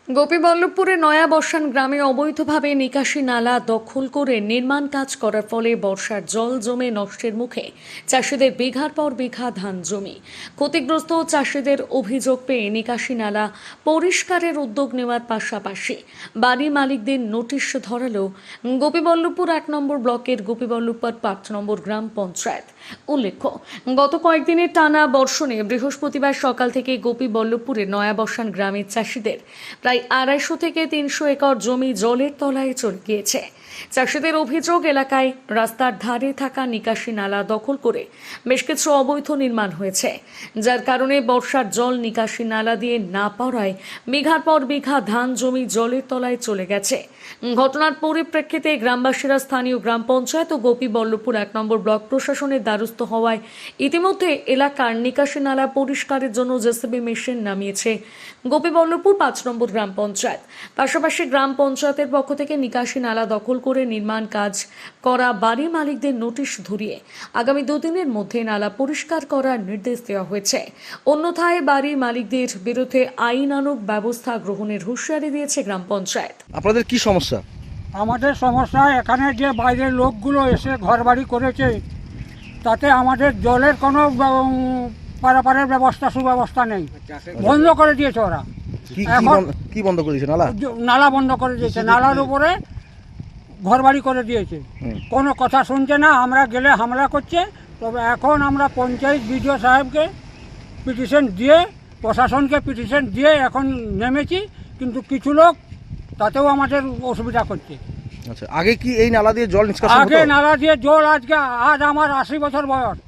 গোপীবল্লভপুরে নয়াবসান গ্রামে অবৈধভাবে নিকাশি নালা দখল করে নির্মাণ কাজ করার ফলে বর্ষার জল জমে নষ্টের মুখে চাষিদের বিঘার পর বিঘা ধান জমি। ক্ষতিগ্রস্ত চাষিদের অভিযোগ পেয়ে নিকাশি নালা পরিষ্কারের উদ্যোগ নেওয়ার পাশাপাশি বাড়ি মালিকদের নোটিশ ধরালো গোপীবল্লভপুর ১ নম্বর ব্লকের গোপীবল্লভপুর ৫ নম্বর গ্রাম পঞ্চায়েত। উল্লেখ্য, গত কয়েকদিনের টানা বর্ষণে বৃহস্পতিবার সকাল থেকে গোপীবল্লভপুরে নয়াবসান গ্রামের চাষিদের প্রায় ২৫০ থেকে ৩০০ একর জমি জলের তলায় চলে গিয়েছে। চাষিদের অভিযোগ, এলাকায় রাস্তার ধারে থাকা নিকাশি নালা দখল করে বেশ কিছু অবৈধ নির্মাণ হয়েছে, যার কারণে বর্ষার জল নিকাশি নালা দিয়ে না পড়ায় বিঘার পর বিঘা ধান জমি জলের তলায় চলে গেছে। ঘটনার পরিপ্রেক্ষিতে গ্রামবাসীরা স্থানীয় গ্রাম পঞ্চায়েত ও গোপীবল্লভপুর ১ নম্বর ব্লক প্রশাসনের দ্বারস্থ হওয়ায় ইতিমধ্যে এলাকার নিকাশি নালা পরিষ্কারের জন্য জেসিবি মেশিন নামিয়েছে গোপীবল্লভপুর ৫ নম্বর গ্রাম পঞ্চায়েত। পাশাপাশি গ্রাম পঞ্চায়েতের পক্ষ থেকে নিকাশি নালা দখল করে নির্মাণ কাজ করা বাড়ি মালিকদের নোটিশ ধরিয়ে আগামী ২ দিনের মধ্যে নালা পরিষ্কার করার নির্দেশ দেওয়া হয়েছে। অন্যথায় বাড়ি মালিকদের বিরুদ্ধে আইনানুগ ব্যবস্থা গ্রহণের হুঁশিয়ারি দিয়েছে গ্রাম পঞ্চায়েত। আপনাদের কি সমস্যা? আমাদের সমস্যা, এখানে যে বাইরের লোকগুলো এসে ঘরবাড়ি করেছে তাতে আমাদের জলের কোনো পারাপারের ব্যবস্থা সুব্যবস্থা নেই, বন্ধ করে দিয়েছে ওরা। কি বন্ধ করে দিয়েছে? নালা বন্ধ করে দিয়েছে, নালার উপরে ঘরবাড়ি করে দিয়েছে, কোনো কথা শুনছে না। আমরা গেলে হামলা করছে। তবে এখন আমরা পঞ্চায়েত বিডিও সাহেবকে পিটিশন দিয়ে, প্রশাসনকে পিটিশন দিয়ে এখন নেমেছি, কিন্তু কিছু লোক তাতেও আমাদের অসুবিধা করছে। আচ্ছা, আগে কি এই নালা দিয়ে জল নিষ্কাশন হতো? আগে নালা দিয়ে জল, আজ আমার ৮০ বছর বয়স,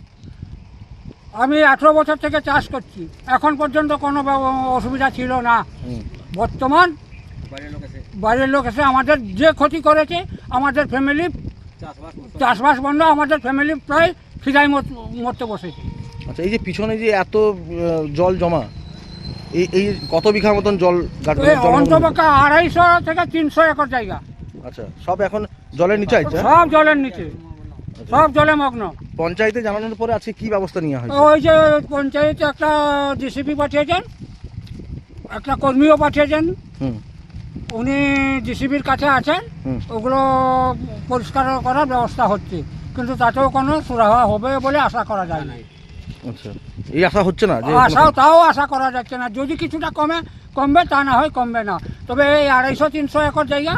আমি ১৮ বছর থেকে চাষ করছি, এখন পর্যন্ত কোনো অসুবিধা ছিল না। বর্তমান বাইরের লোক এসে আমাদের যে ক্ষতি করেছে, আমাদের ফ্যামিলি চাষবাস বন্ধ, আমাদের ফ্যামিলি প্রায় খিদায় মরতে বসেছে। আচ্ছা, এই যে পিছনে যে এত জল জমা, এই কত বিঘার মতন জল? অন্তপক্ষে ২৫০ থেকে ৩০০ একর জায়গা। আচ্ছা, সব এখন জলের নিচে আছে? সব জলের নিচে, সব জলে মগ্ন। পঞ্চায়েতে জানানোর পরে আজকে কি ব্যবস্থা নেওয়া হয়েছে? ওই যে পঞ্চায়েতে একটা জিসিপি পাঠিয়েছেন, একটা কর্মীও পাঠিয়েছেন, উনি জিসিবির কাছে আছেন, ওগুলো পরিষ্কার করার ব্যবস্থা হচ্ছে, কিন্তু তাতেও কোনো সুরাহা হবে বলে আশা করা যায় না। আচ্ছা, এই আশা হচ্ছে না? তাও আশা করা যাচ্ছে না। যদি কিছুটা কমবে, তা না হয় কমবে না। তবে এই ২৫০-৩০০ একর জায়গা,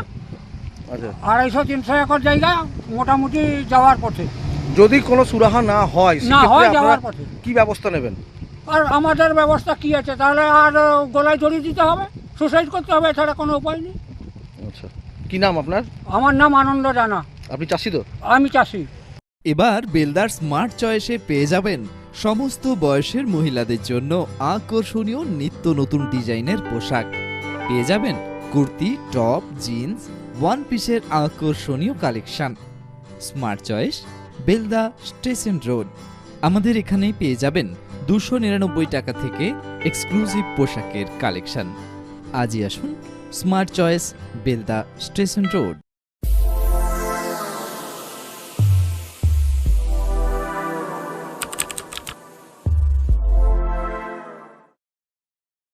২৫০-৩০০ একর জায়গা মোটামুটি যাওয়ার পথে। যদি কোনো সুরাহা না হয়, যাওয়ার পথে কি ব্যবস্থা নেবেন? আর আমাদের ব্যবস্থা কি আছে? তাহলে আর গলায় দড়ি দিতে হবে, সুসাইড করতে হবে, এছাড়া কোনো উপায় নেই। আচ্ছা, কি নাম আপনার? আমার নাম আনন্দ জানা। আপনি চাষি তো? আমি চাষি। এবার বেলদার স্মার্ট চয়েসে পেয়ে যাবেন সমস্ত বয়সের মহিলাদের জন্য আকর্ষণীয় নিত্য নতুন ডিজাইনের পোশাক। পেয়ে যাবেন কুর্তি, টপ, জিন্স, ওয়ান পিসের আকর্ষণীয় collection. Smart choice, Belda station road. আমাদের এখানেই পেয়ে যাবেন ২৯৯ টাকা থেকে এক্সক্লুসিভ পোশাকের কালেকশন। আজই আসুন smart choice, Belda station road.